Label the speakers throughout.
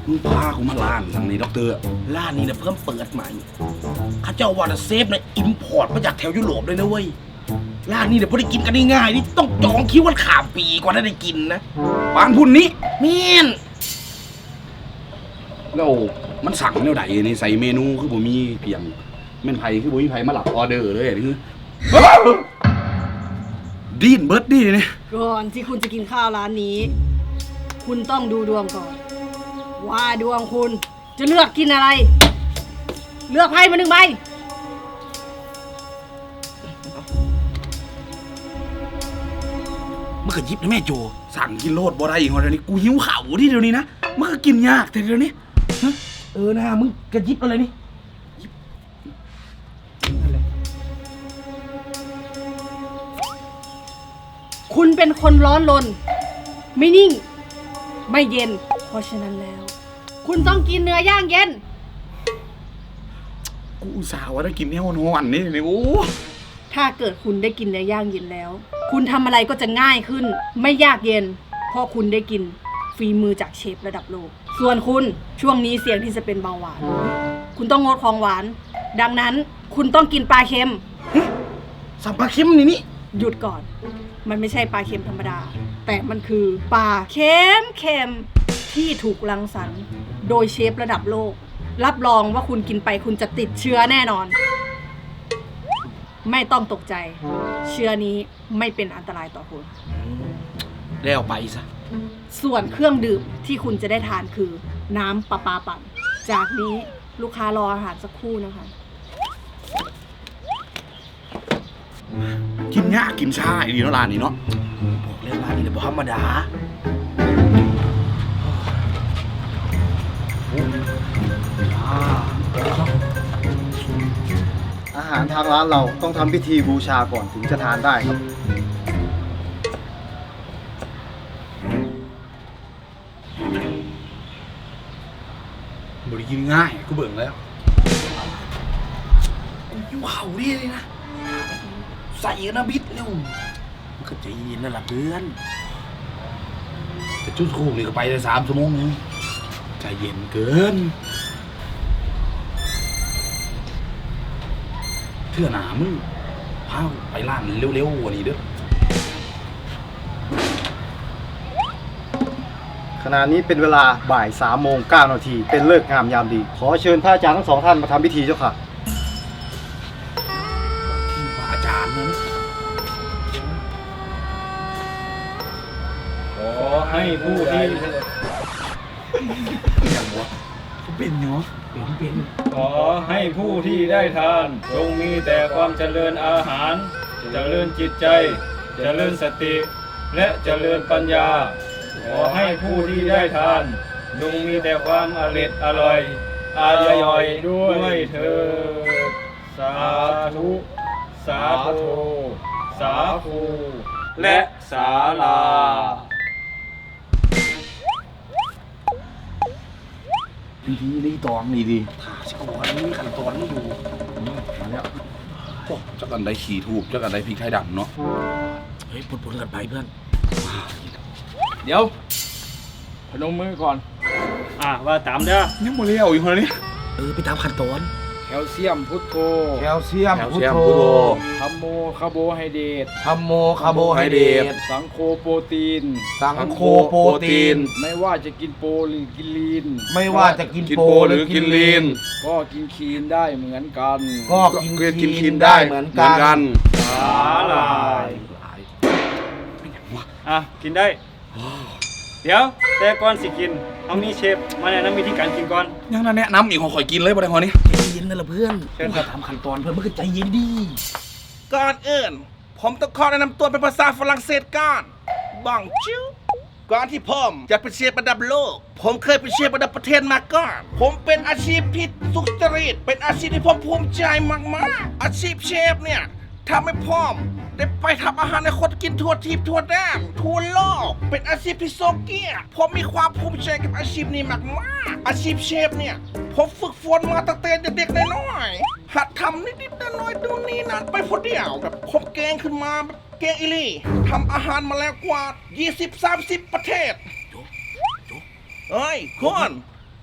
Speaker 1: มึงพากูมาร้านทางนี้ด็อกเตอร์
Speaker 2: ร้านนี้เนี่ยเพิ่มเปิดใหม่ข้าเจ้าว่าเซฟเนี่ยอิมพอร์ตมาจากแถวยุโรปเลยนะเว้ยร้านนี้เนี่ยพอได้กินกันง่ายๆนี่ต้องจองคิววันข้ามปีกว่าได้กินนะ
Speaker 1: ปานพุ่นนี้
Speaker 2: เมียน
Speaker 1: แล้วมันสั่งแนวใดนี่ใส่เมนูคือบ่มีเพียงแม่นไผคือบ่มีไผมาหลับออเดอร์เลยคือดีนเบิร์ดดีนี่
Speaker 3: ก่อนที่คุณจะกินข้าวร้านนี้คุณต้องดูดวงก่อนว่าดวงคุณจะเลือกกินอะไรเลือกไพ่มา1 ใบ
Speaker 2: มันก็ยิบนะแม่โจ
Speaker 1: สั่งกินโลดบ่ได้อีกเดี๋ยวนี้กูหิวข้าวดิเดี๋ยวนี้นะมันก็กินยากแต่เดี๋ยวนี้
Speaker 2: นะมึงกระยิบอะไรนี่
Speaker 3: คุณเป็นคนร้อนรนไม่นิ่งไม่เย็นเพราะฉะนั้นแล้วคุณต้องกินเนื้อย่างเย็น
Speaker 1: กูอุตส่าห์ว่าได้กินแนวนอนนี่โอ้
Speaker 3: ถ้าเกิดคุณได้กินเนื้อย่างเย็นแล้วคุณทำอะไรก็จะง่ายขึ้นไม่ยากเย็นเพราะคุณได้กินฝีมือจากเชฟระดับโลกส่วนคุณช่วงนี้เสี่ยงที่จะเป็นเบาหวานคุณต้องงดของหวานดังนั้นคุณต้องกินปลาเค็ม
Speaker 2: สับปลาเค็มนี่
Speaker 3: หยุดก่อนมันไม่ใช่ปลาเค็มธรรมดาแต่มันคือปลาเค็มที่ถูกรังสรรค์โดยเชฟระดับโลกรับรองว่าคุณกินไปคุณจะติดเชื้อแน่นอนไม่ต้องตกใจเชื้อนี้ไม่เป็นอันตรายต่อคุณ
Speaker 2: แล้วไปซะ
Speaker 3: ส่วนเครื่องดื่มที่คุณจะได้ทานคือน้ำประปาปั่นจากนี้ลูกค้ารออาหารสักครู่นะคะ
Speaker 1: กินยากกินชาอีนี่เนาะร้านนี้เนาะ
Speaker 2: บอกเลยร้านนี้เนี่ยบ่ธรรมดา
Speaker 4: อาหารทางร้านเราต้องทำพิธีบูชาก่อนถึงจะทานได้ครับ
Speaker 1: บริกินง่ายกูเบิ่งแล้ว
Speaker 2: กูอยู่เขาดิเลยนะใส่นะบิดเร็วมันก็ใจเย็นนั่นแหละเพื่อน
Speaker 1: แต่จุดคู่นี่ก็ไปได้3 ชั่วโมงนึงใจเย็นเกินเชื่อหนามึงพาไปร้านเร็วๆกว่านี้เด้อ
Speaker 4: ขณะนี้เป็นเวลาบ่าย3:09 นาทีเป็นฤกษ์งามยามดีขอเชิญพระอาจารย์ทั้ง2 ท่านมาทำพิธีเจ้าค่ะ
Speaker 1: พระอาจารย์นะ
Speaker 5: ขอให้ผู้ที่
Speaker 1: อย่างวะเป็นเนาะเป็น
Speaker 5: ขอให้ผู้ที่ได้ทานจงมีแต่ความเจริญอาหารเจริญจิตใจเจริญสติและเจริญปัญญาขอให้ผู้ที่ได้ทานจงมีแต่ความอร่อยย่อยด้วยเถิดสาธุสาธุสาธุและศาลา
Speaker 1: พิธีรีตองนี่ดิ
Speaker 2: ถาสิก่อนมีขั้นตอนนี่อยู่
Speaker 1: มาแล้วโอ้จักอันใดขี่ถูกจักอันใดพริกไทยดำเนาะ
Speaker 2: เฮ้ยปนกันไปเพื่อน
Speaker 5: เดี๋ยวพนมมือก่อนว่าตามเด้อ
Speaker 1: ยังบ่เลี้ยวอยู่คนนี้
Speaker 2: ไปตามขั้นตอน
Speaker 5: แคลเซียมพุทโธ
Speaker 4: แคลเซียมพุทโธ
Speaker 5: ธัมโมคาร์โบไฮเดรต
Speaker 4: ธัมโมคาร์โบไฮเดรต
Speaker 5: สังโฆโปรตีน
Speaker 4: สังโฆโปรตีน
Speaker 5: ไม่ว่าจะกินโปรหรือกินลีน
Speaker 4: ไม่ว่าจะกินโปรหรือกินลีน
Speaker 5: ก็กินคีนได้เหมือนกัน
Speaker 4: ก็กินคีนได้เหมือนกัน
Speaker 5: สาหร่ายกินได้เดี๋ยวแต่ก่อนสิกินเอานี่เชฟมาแนะนำวิธีการกินก่อน
Speaker 1: ยังแนะนำอีกของข่อยกินเลยบ่ได้พอนี้
Speaker 2: ใจเย็นนั่นแหละเพื่อน
Speaker 5: เชิญ
Speaker 2: ทำขั้นตอนเพื่อนมันก็ใจเย็นดี
Speaker 6: ก่อนอื่นผมต้องขอแนะนำตัวเป็นภาษาฝรั่งเศสก่อนบังจิวก่อนที่ผมจะเป็นเชฟระดับโลกผมเคยเป็นเชฟระดับประเทศมาก่อนผมเป็นอาชีพที่สุจริตเป็นอาชีพที่ผมภูมิใจมากๆอาชีพเชฟเนี่ยทำให้ผมได้ไปทำอาหารในคนกินทั่วทิพย์ทั่วแดนทั่วโลกเป็นอาชีพที่โซเกียผมมีความภูมิใจกับอาชีพนี้มากๆอาชีพเชฟเนี่ยผมฝึกฝนมาตั้งแต่เด็กๆน้อยๆหัดทำนิดๆน้อยๆดูนี่นั่นไปคนเดียวแบบผมเก่งขึ้นมาแบบเก่งอีลี่ทำอาหารมาแล้วกว่า 20-30 ประเทศเฮ้ยคุณ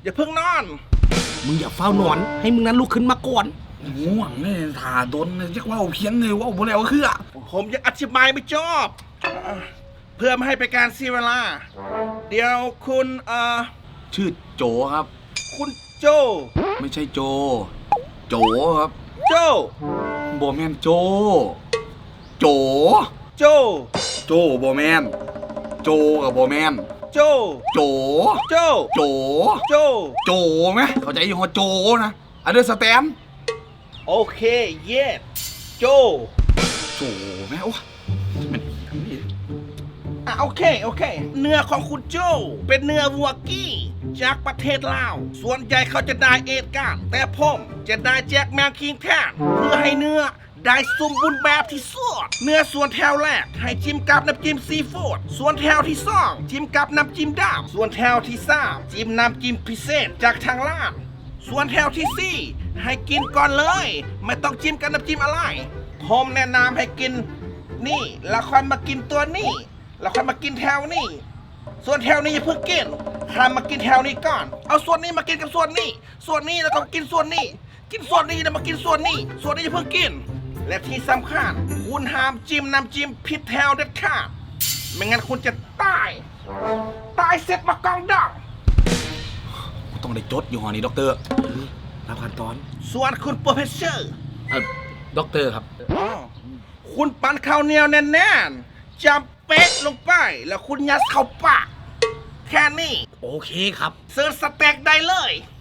Speaker 6: อย่าเพิ่งนอน
Speaker 2: มึงอย่าเฝ้านอน ให้มึงนั้นลุกขึ้นมาก่อน
Speaker 1: ง่วงเนี่ยถ่าดนจักว่าเพียงเลยว่าบ่แล้วคือ
Speaker 6: ผมยังอธิบายไม่จบเพื่อไม่ให้เป็นการเสียเวลา เดี๋ยวคุณ
Speaker 1: ชื่อโจครับ
Speaker 6: คุณโจ
Speaker 1: ไม่ใช่โจ โจครับ
Speaker 6: โจ
Speaker 1: บ่แม่นโจ โจ
Speaker 6: โจ
Speaker 1: โจบ่แม่นโจกับบ่แม่น
Speaker 6: โจ
Speaker 1: โจ
Speaker 6: โจ
Speaker 1: โจ
Speaker 6: โจ
Speaker 1: โจไหมเข้าใจอยู่หัวโจนะunderstand
Speaker 6: โอเค เย็ดโจ
Speaker 1: โจไหมโอ้มันทำนี่
Speaker 6: โอเค เนื้อของคุณโจเป็นเนื้อวัวกี้จากประเทศลาว ส่วนใหญ่เขาจะได้เอทกันแต่ผมจะได้แจ็คแมวคิงแทนเพื่อให้เนื้อได้สมบูรณ์แบบที่สุดเนื้อส่วนแถวแรกให้จิ้มกับน้ำจิ้มซีฟู้ดส่วนแถวที่สองจิ้มกับน้ำจิ้มดำส่วนแถวที่สามจิ้มน้ำจิ้มพิเศษจากทางร้านส่วนแถวที่สี่ให้กินก่อนเลย ไม่ต้องจิ้มกับน้ำจิ้มอะไรผมแนะนำให้กินนี่แล้วค่อยมากินตัวนี้แล้วค่อยมากินแถวนี้ส่วนแถวนี้อย่าเพิ่งกินห้ามมากินแถวนี้ก่อนเอาส่วนนี้มากินกับส่วนนี้ส่วนนี้แล้วก็กินส่วนนี้กินส่วนนี้แล้วมากินส่วนนี้ส่วนนี้อย่าเพิ่งกินและที่สำคัญคุณห้ามจิ้มน้ำจิ้มผิดแถวเด็ดขาดไม่งั้นคุณจะตายเสร็จมากองดัง
Speaker 1: กูต้องได้จดอยู่หอนี้ด็อกเตอร์
Speaker 2: รับขั้นตอน
Speaker 6: ส่วนคุณโปรเฟสเซอร์
Speaker 2: ด็อกเตอร์ครับ
Speaker 6: คุณปั้นข้าวเหนียวแน่นๆจำเป๊ะลงไปแล้วคุณยัดเข้าปากแค่นี้
Speaker 2: โอเคครับ
Speaker 6: เสิร์ฟสเต็กได้เลย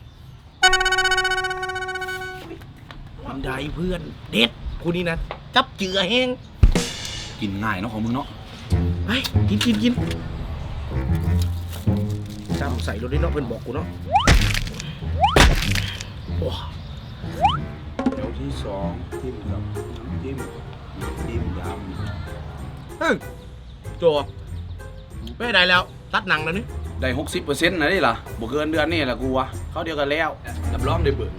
Speaker 2: วันใดเพื่อน เด็ดผู้นี้นะจับเจือแห้ง
Speaker 1: กินง่ายเนาะของมึงเนาะ
Speaker 2: ไปกินจำใส่รถได้เนาะเพื่อนบอกกูเนาะโอ้
Speaker 1: แถวที่สองจิ้มกับน้ำจิ้มย
Speaker 2: โจไม่ได้แล้ว ตัดหนังแล้วนี่
Speaker 1: ำได้ 60%นะนี่ล่ะบ่เกินเดือนนี่แหละกูวะเขาเดียวกันแล้วรับรองได้เบิ่ง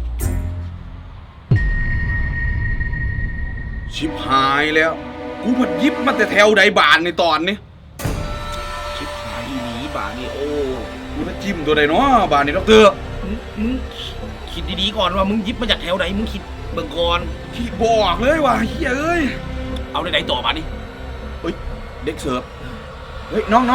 Speaker 1: ชิบหายแล้ว กูพัดยิบมาแต่แถวใดบานในตอนนี้
Speaker 2: ชิบหายอีหลีบ่านี่โอ้
Speaker 1: กูจะจิ้มตัวใดเนาะบานนี้ด็อกเตอร์
Speaker 2: มึงคิดดีๆก่อนว่ามึงหยิบมาจากแถวไหนมึงคิดเบิ่งก่อน
Speaker 1: พี่บอกเลยว่ะเฮียเอ้ย
Speaker 2: เอาได้ไหนต่อมาดิ
Speaker 1: เฮ้ยเด็กเสิร์ฟเฮ้ยน้อง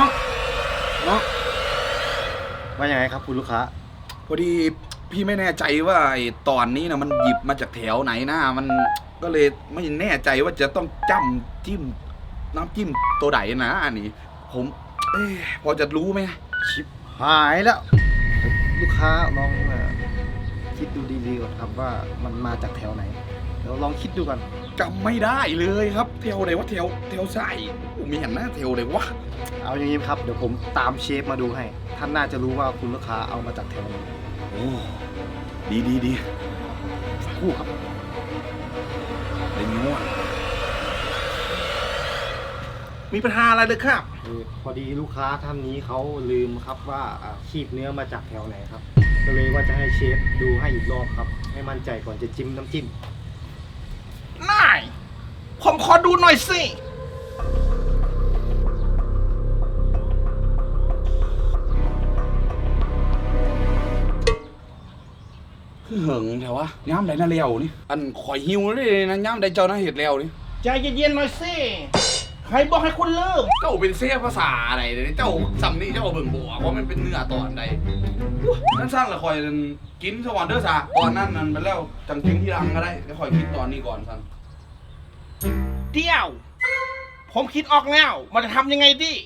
Speaker 4: ว่ายังไงครับคุณลูกค้า
Speaker 1: พอดีพี่ไม่แน่ใจว่าไอ้ตอนนี้นะมันหยิบมาจากแถวไหนนะมันก็เลยไม่แน่ใจว่าจะต้องจิ้มน้ำจิ้มตัวไหนนะอันนี้ผมพอจะรู้ไหม
Speaker 4: ชิปหายแล้ว ลูกค้าลองคิดดูดีๆก่อนครับว่ามันมาจากแถวไหนเดี๋ยวลองคิดดูกัน
Speaker 1: จำไม่ได้เลยครับแถวไหนวะแถวใส่ผมไม่เห็นหน้าแถวเลยวะ
Speaker 4: เอาอย่างนี้ครับเดี๋ยวผมตามเชฟมาดูให้ท่านน่าจะรู้ว่าคุณลูกค้าเอามาจากแถวไหน
Speaker 1: โอ้ดี
Speaker 4: คู่ครับ
Speaker 1: เล่นง่วง
Speaker 6: มีปัญหาอะไรเลยครับ
Speaker 4: พอดีลูกค้าท่านนี้เขาลืมครับว่าคีบเนื้อมาจากแถวไหนครับก็เลยว่าจะให้เชฟดูให้อีกรอบครับให้มั่นใจก่อนจะจิ้มน้ำจิ้ม
Speaker 6: นาย ผมขอดูหน่อยสิ
Speaker 1: คือเหิงแถววะย้ำใดน่าเลี้ยวนี่อันข่อยหิวเลยนะย้ำใดเจ้าน่าเห็ดแล้วนี่
Speaker 6: ใจเย็นๆหน่อยสิ ใครบอกให้คุณลืม
Speaker 1: เจ้าเป็นเสียภาษาอะไรเนี่ยเจ้าสำนีเจ้าเบิ่งบอกว่ามันเป็นเนื้อตอนใดนั่นสร้างละคอยกินสวรรค์เด้อสาตอนนั้นนั่นไปแล้วจังกินที่รังก็ได้แล้วคอยกินตอนนี้ก่อนสัน
Speaker 6: เดี๋ยว ผมคิดออกแล้วมันจะทำยังไงดี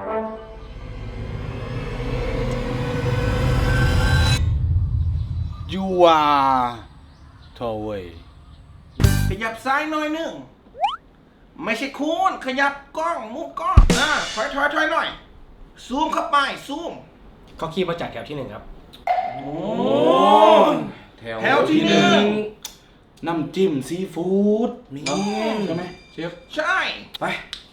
Speaker 1: ยูอาโทเวย
Speaker 6: ขยับซ้ายหน่อยหนึง ไม่ใช่คูณขยับกล้องมุมกล้องถอยหน่อย ซูมเข้าไป ซูม
Speaker 2: เขาคีบมาจากแถวที่หนึ่งครับ
Speaker 6: โอ้
Speaker 1: แถ
Speaker 6: แถวที่หนึ่ง
Speaker 1: น้ำจิ้มซีฟู้ดนี่ใช่ไหมเชฟ
Speaker 6: ใช่
Speaker 1: ไป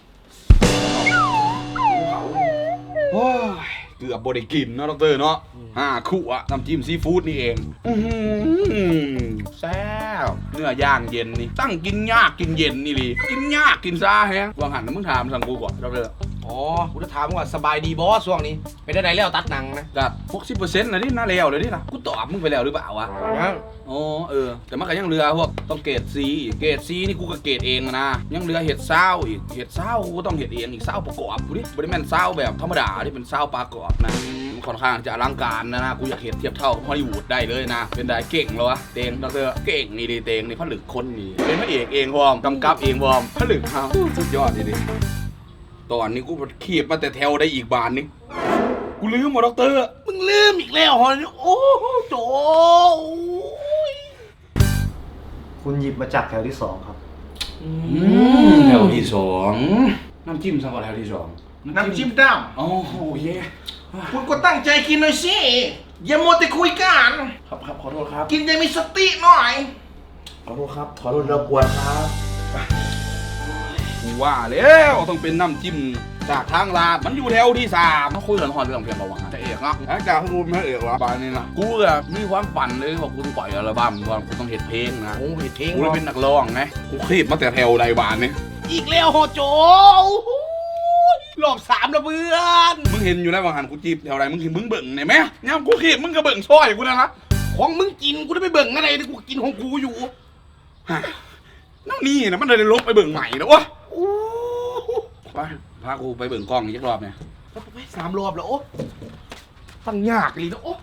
Speaker 1: โอ้ยเกือบบได้กินเนาะดอกเตอร์เนาะขู่อะน้ำจิ้มซีฟู้ดนี่เองแซ่บเนื้อย่างเย็นนี่ตั้งกินยากกินเย็นนี่ลีกินยากกินซาแฮะวางหันนะมึงถามสั่งกูก่อนดอกเตอร์
Speaker 2: อ๋อกูจะถามว่าสบายดีบอสช่วงนี้ไปได้ไหนแล้วตัดหนังนะ
Speaker 1: ก็60%นะนี่น่าแล้วเลยนี่ล่ะกูตอบมึงไปแล้วหรือเปล่าวะ
Speaker 2: ยัง
Speaker 1: อ๋อแต่มันก็ยังเหลือพวกต้องเกรด C เกรด C นี่กูก็เกรดเองนะยังเหลือเห็ดเศร้าอีกเห็ดเศร้ากูก็ต้องเห็ดเองอีกเศร้าประกอบกูดิบริแมนเศร้าแบบธรรมดาที่เป็นเศร้าประกอบนะมันค่อนข้างจะอลังการนะกูอยากเห็ดเทียบเท่าฮอลลีวูดได้เลยนะเป็นได้เก่งแล้ววะเตงดรเก่งนี่ดิเตงนี่ผลึกคนนี่เป็นพระเอกเองวอมกำกับเองวอมผลึกเขาสุดยอดดิตอนนี้กูขีบมาแต่แถวได้อีกบานนึงกูลืมหมดดร
Speaker 2: มึงลืมอีกแล้วฮะโอ้โหโจ
Speaker 4: คุณหยิบมาจากแถวที่สองครับ
Speaker 1: แถวที่สองน้ำจิ้มสักแถวที่สอง
Speaker 6: น้ำจิ้มด
Speaker 1: โอ้โหเย่
Speaker 6: ำคุณก็ตั้งใจกินหน่อยสิ อย่ามัวแต่คุยกัน
Speaker 1: ครับขอโทษครับ
Speaker 6: กินอยังมีสติหน่อย
Speaker 1: ขอโทษครับขอโทษรบกวนครับกูว่าแล้วต้องเป็นน้ำจิ้มจากทางลาดมันอยู่แถวที่สามมาคุยกันหอนเรื่องเพียงประวัติจะเอกเนาะแล้วจากกูไม่เอกวะบานนี้นะกูก็มีความฝันเลยว่ากูต้องปล่อยอัลบั้มว่ากูต้องเฮ็ดเพลงนะ
Speaker 2: โอ้ยเท่ง
Speaker 1: กูเลยเป็นนักร้องไงกูคลิปมาแต่แถวใดบานนี้
Speaker 2: อีกแล้วฮะโจรอบ3แล้วเพื่อน
Speaker 1: มึงเห็นอยู่แล้วว่าหันกูจีบแถวใดมึงเห็นมึงเบิ่งเนี่ยไหมเนี่ยกูคลิปมึงก็เบิ่งซอยกูนะนะ
Speaker 2: ของมึงกินกูได้ไปเบิ่งอะไรนี่กูกินของกูอยู่
Speaker 1: ฮะนั่นนี่นะมันเลยลบไปเบิ่งใหม่แล้ววะไปพากูไปเบิ่งกล้องอีกรอบเนี่ย
Speaker 2: ไป3 รอบแล้วโอ้ตั้งยากเลยนะโอ้